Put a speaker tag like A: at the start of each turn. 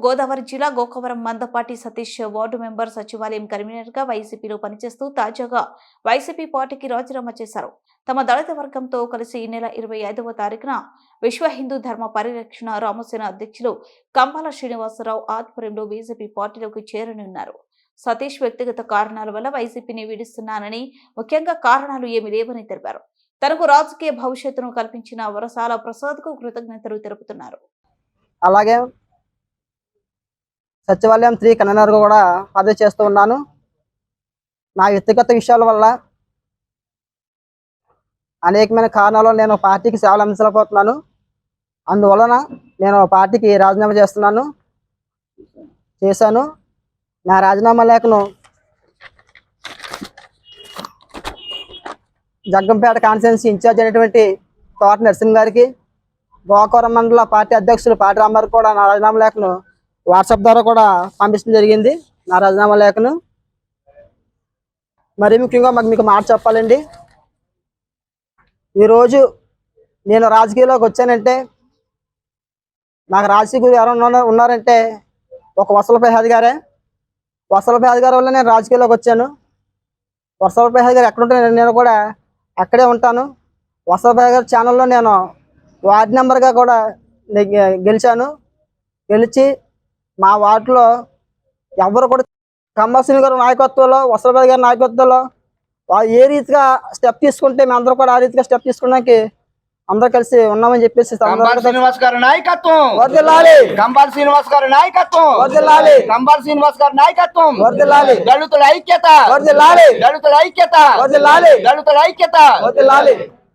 A: గోదావరి జిల్లా Gokavaram Mandapati Satish ward member సచివాలయం convenor గా వైసీపీలో పనిచేస్తూ తాజాగా వైసీపీ పార్టీకి రాజీనామా చేశారు. తమ దళిత వర్గంతో కలిసి ఈ నెల 25వ తారీఖున విశ్వ హిందూ ధర్మ పరిరక్షణ రామసేన అధ్యక్షులు కంబాల శ్రీనివాసరావు ఆధ్వర్యంలో బీజేపీ పార్టీలోకి చేరనున్నారు. సతీష్ వ్యక్తిగత కారణాల వల్ల వైసీపీని విడుస్తున్నానని, ముఖ్యంగా కారణాలు ఏమీ లేవని తెలిపారు. తనకు రాజకీయ భవిష్యత్తును కల్పించిన వరసాల ప్రసాద్ కు కృతజ్ఞతలు తెలుపుతున్నారు.
B: అలాగే సచివాలయం 3 కన్వీనర్గా కూడా పదవి చేస్తూ ఉన్నాను. నా వ్యక్తిగత విషయాల వల్ల అనేకమైన కారణాలు నేను పార్టీకి సేవలు అందించలేకపోతున్నాను. అందువలన నేను పార్టీకి రాజీనామా చేశాను. నా రాజీనామా లేఖను జగ్గంపేట కాన్స్టిట్యున్సీ ఇన్ఛార్జ్ అయినటువంటి తోట నరసింహ గారికి, గోకవరం మండల పార్టీ అధ్యక్షులు పాటి రామారావు కూడా నా రాజీనామా లేఖను వాట్సాప్ ద్వారా కూడా పంపించడం జరిగింది. నా రాజీనామా లేఖను మరీ ముఖ్యంగా మీకు మాట చెప్పాలండి. ఈరోజు నేను రాజకీయాల్లోకి వచ్చానంటే, నాకు రాజకీయ గురువు ఎవరైనా ఉన్నారంటే ఒక వసల ప్రసాద్ గారే. వసల ప్రసాద్ గారి వల్ల నేను రాజకీయాల్లోకి వచ్చాను. వసల ప్రసాద్ గారు ఎక్కడ ఉంటే నేను కూడా అక్కడే ఉంటాను. వసల ప్రసాద్ గారి ఛానల్లో నేను వార్డు మెంబర్గా కూడా గెలిచి మా వార్డులో ఎవరు కూడా కంబాల గారి నాయకత్వంలో, వసలబాబు గారి నాయకత్వంలో వాళ్ళు ఏ రీతిగా స్టెప్ తీసుకుంటే మేమందరూ కూడా ఆ రీతిగా స్టెప్ తీసుకోవడానికి అందరూ కలిసి ఉన్నామని చెప్పేసి
C: శ్రీనివాస్ గారి నాయకత్వం
B: వర్ధిల్లాలి.
C: కంబాల శ్రీనివాస్ గారి నాయకత్వం
B: వర్ధిల్లాలి.
C: కంబాల శ్రీనివాస్ గారి నాయకత్వం
B: వర్ధిల్లాలి.
C: దళితుల ఐక్యత
B: వర్ధిల్లాలి.
C: దళితుల ఐక్యత
B: వర్ధిల్లాలి.
C: దళితుల ఐక్యత
B: వర్ధిల్లాలి.